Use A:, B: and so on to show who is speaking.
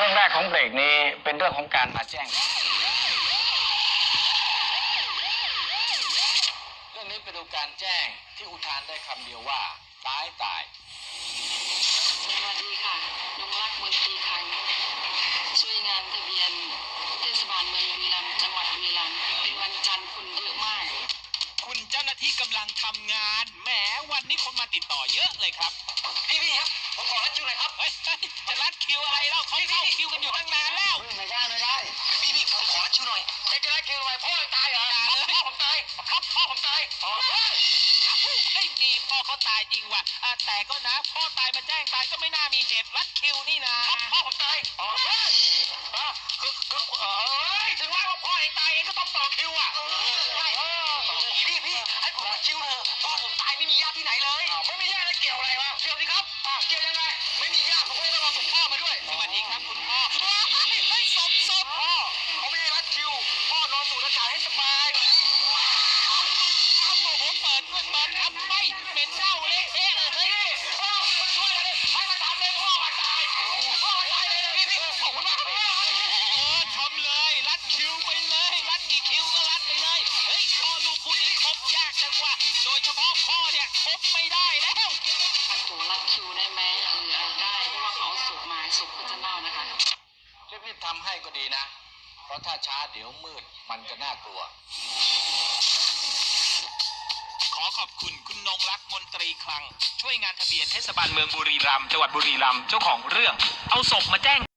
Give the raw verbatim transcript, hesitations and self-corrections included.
A: ช่วงแรกของเบรกนี้เป็นเรื่องของการมาแจ้งเรื่องนี้ไปดูการแจ้งที่อุทานได้คำเดียวว่าตายตาย
B: สวัสดีค่ะนงรักมนตรีคังช่วยงานทะเบียนเทศบาลเมืองบุรีรัมย์จังหวัดบุรีรัมย์เป็นวันจันทร์คนเยอะมาก
C: คุณเจ้าหน้าที่กำลังทำงานแหมวันนี้คนมาติดต่อเยอะเลยครับ
A: พี่พี่ครับผมขอรัดคิวหน่อยครับ
C: เฮ้ยจะรัดคิวอะไรเล่าเขาเข้าคิวกันอยู่ตั้งนานแล้ว
A: ไม่ได้ไม่ได้พี่พี่ผมขอรัดคิวหน่อยจะรัดคิวทำไมพ่อตายเหรอพ่อผมตายครับพ่อผมตายอ๋อ
C: ไอ้นี่พ่อเขาตายจริงว่ะแต่ก็นะพ่อตายมาแจ้งตายก็ไม่น่ามีเหตุรัดคิวนี่นะ
A: พ่อผมตายอ๋อคือคือเออถึงแม้ว่าพ่อเองตายเองก็ต้องต่อคิวอ่ะใช่พี่พี่ให้ผมรัดคิวเถอะพ่อผมตายไม่มีญาติที่ไหนเลยไม่มีญาติแล้วเกี่ยวอะไรวะเกี่ยวสิครับเกี่ยวยังไงไม่มีญาติผมก็เลยต้องเอาศพพ่อมาด้วย
C: สวัสดีครับคุณพ่อ
A: ไอ้ศพศพพ่อเขาไม่ได้รัดคิวพ่อนอนสูดอากาศให้สบาย
C: โอ้โหเปิดด้วยเปิดทำไมเป็นเน่าเละเทะเลยเฮ้ย
A: พ่อช่วยเลยให้มาทำเลยพ่อมาตายพ่อมาตายเลยพี่พี่ขอบคุณมากพี่
C: เออทำเลยรัดคิวไปเลยรัดกี่คิวก็รัดไปเลยเฮ้ยพ่อลูกคู่นี้คบยากจังว่ะโดยเฉพาะพ่อเนี่ยคบไม่ได้แล้ว
B: อันตัวรัดคิวได้ไหมเออได้เพราะว่าเขาเอาศพมาศพก็จะเน่านะคะ
A: รีบๆทำให้ก็ดีนะเพราะถ้าช้าเดี๋ยวมืดมันจะน่ากลัว
C: ขอขอบคุณคุณนงรักมนตรีคลังช่วยงานทะเบียนเทศบาลเมืองบุรีรัมย์จังหวัดบุรีรัมย์เจ้าของเรื่องเอาศพมาแจ้ง